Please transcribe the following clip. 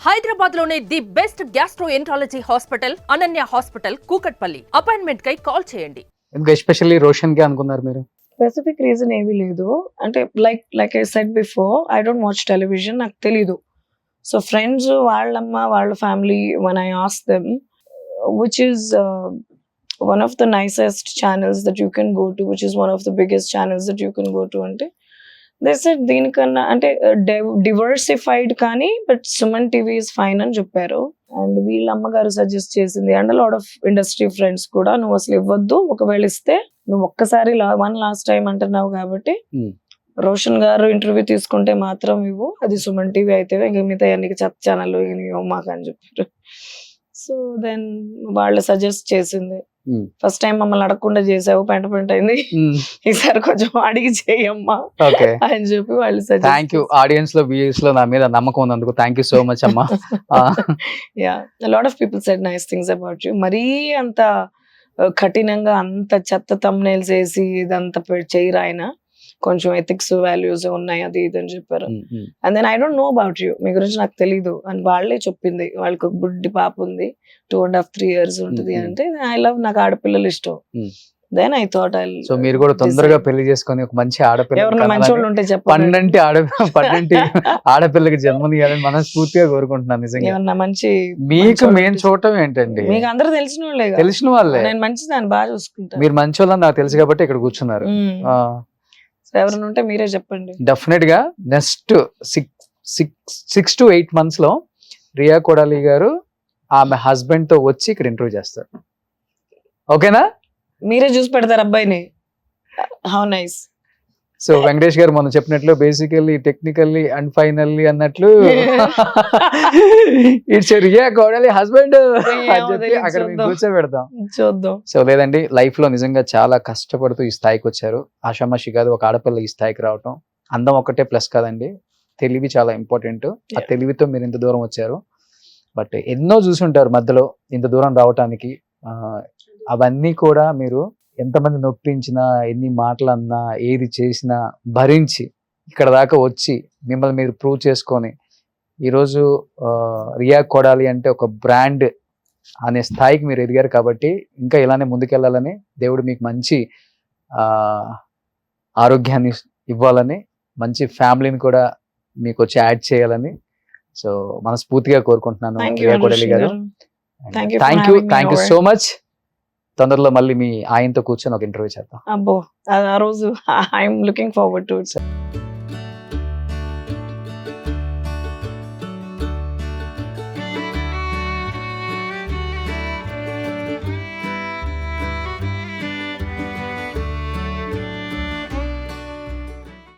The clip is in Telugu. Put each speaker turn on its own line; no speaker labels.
హైదరాబాద్ లోనే the best gastroenterology hospital Ananya hospital Kukatpally. Appointment కై కాల్ చేయండి.
ఎస్పెషల్లీ రోషన్ కి అనుకున్నారు మీరు?
స్పెసిఫిక్ రీజన్ ఏమీ లేదు. అంటే like I said before, I don't watch television, నాకు తెలీదు. సో ఫ్రెండ్స్, వాళ్ళమ్మ, వాళ్ళ family, when I asked them, which is one of the nicest channels that you can go to, which is one of the biggest channels that you can go to, అంటే they said దీనికన్నా అంటే డివర్సిఫైడ్ కానీ but Suman TV is fine అని చెప్పారు. అండ్ వీళ్ళ అమ్మగారు సజెస్ట్ చేసింది and lot of industry friends కూడా, నువ్వు అసలు ఇవ్వద్దు, ఒకవేళ ఇస్తే నువ్వు ఒక్కసారి లాస్ట్ టైం అంటున్నావు కాబట్టి రోషన్ గారు ఇంటర్వ్యూ తీసుకుంటే మాత్రం ఇవ్వు, అది సుమన్ టీవీ అయితే ఇంక మిగతా అన్ని చెత్త ఛానల్ మాకు అని చెప్పారు. సో దెన్ వాళ్ళు సజెస్ట్ చేసింది. ఫస్ట్ టైం మమ్మల్ని అడగకుండా చేసావు, పెంట అయింది, ఈసారి కొంచెం అడిగి చేయమ్మా అని చెప్పి వాళ్ళు
థ్యాంక్ యూ. ఆడియన్స్ లో వ్యూయర్స్ లో నా మీద నమ్మకం ఉన్నందుకు థ్యాంక్ యూ సో మచ్ అమ్మా.
Yeah, lot of people said nice things about you. మరీ అంత కఠినంగా అంత చెత్త thumbnails వేసి ఇదంతా చేయరు ఆయన, కొంచెం ఎథిక్స్ వాల్యూస్ ఉన్నాయి అది ఇది అని చెప్పారు. And then I don't know about you, మీ గురించి నాకు తెలీదు అని వాళ్ళే చెప్పింది. వాళ్ళకి ఒక బుడ్డి పాప ఉంది, 2.5-3 years ఉంటుంది అంటే ఐ లవ్, నాకు ఆడపిల్లలు ఇష్టం. Then I thought I,
so మీరు కూడా తొందరగా పెళ్లి చేసుకొని ఒక మంచి ఆడపిల్ల,
ఎవరైనా మంచి వాళ్ళు ఉంటే చెప్పండి,
పన్నెంటి ఆడపిల్లకి జన్మనియాలని మనస్ఫూర్తిగా కోరుకుంటున్నాను. నిజంగా
ఏమన్నా మంచి
మీకు మేము చూడటం ఏంటండి,
మీకు అందరూ తెలిసిన వాళ్ళే,
తెలిసిన వాళ్ళే.
నేను మంచిదాన్ని బాగా చూసుకుంటాను.
మీరు మంచి వాళ్ళని నాకు తెలుసు కాబట్టి ఇక్కడ కూర్చున్నారు.
ఎవరైనా ఉంటే మీరే చెప్పండి.
డెఫినెట్ గా నెక్స్ట్ 6 to 8 months లో రియా కొడాలి గారు ఆమె హస్బెండ్ తో వచ్చి ఇక్కడ ఇంటర్వ్యూ చేస్తారు. ఓకేనా?
మీరే చూసి పెడతారు అబ్బాయిని. How nice.
సో వెంకటేష్ గారు మనం చెప్పినట్లు బేసికల్లీ టెక్నికల్లీ అండ్ ఫైనల్లీ అన్నట్లు ఇట్స్ రియా కొడాలి హస్బెండ్ అక్కడ మేము కూర్చోబెడతాం,
చూద్దాం.
సో లేదండి, లైఫ్ లో నిజంగా చాలా కష్టపడుతూ ఈ స్థాయికి వచ్చారు. ఆషామాషి కాదు ఒక ఆడపిల్ల ఈ స్థాయికి రావటం. అందం ఒక్కటే ప్లస్ కాదండి, తెలివి చాలా ఇంపార్టెంట్. ఆ తెలివితో మీరు ఇంత దూరం వచ్చారు. బట్ ఎన్నో చూసి ఉంటారు మధ్యలో ఇంత దూరం రావటానికి. అవన్నీ కూడా మీరు ఎంతమంది నొప్పించినా, ఎన్ని మాటలు అన్నా, ఏది చేసినా భరించి ఇక్కడ దాకా వచ్చి మిమ్మల్ని మీరు ప్రూవ్ చేసుకొని ఈరోజు రియా కొడాలి అంటే ఒక బ్రాండ్ అనే స్థాయికి మీరు ఎదిగారు. కాబట్టి ఇంకా ఇలానే ముందుకెళ్ళాలని, దేవుడు మీకు మంచి ఆరోగ్యాన్ని ఇవ్వాలని, మంచి ఫ్యామిలీని కూడా మీకు వచ్చి యాడ్ చేయాలని సో మనస్ఫూర్తిగా కోరుకుంటున్నాను రియా కొడాలి గారు. Thank you so much. తొందరలో మళ్ళీ మీ ఆయనతో కూర్చొని ఒక ఇంటర్వ్యూ చేద్దాం.
అబ్బో, ఆ రోజు I'm looking forward to it.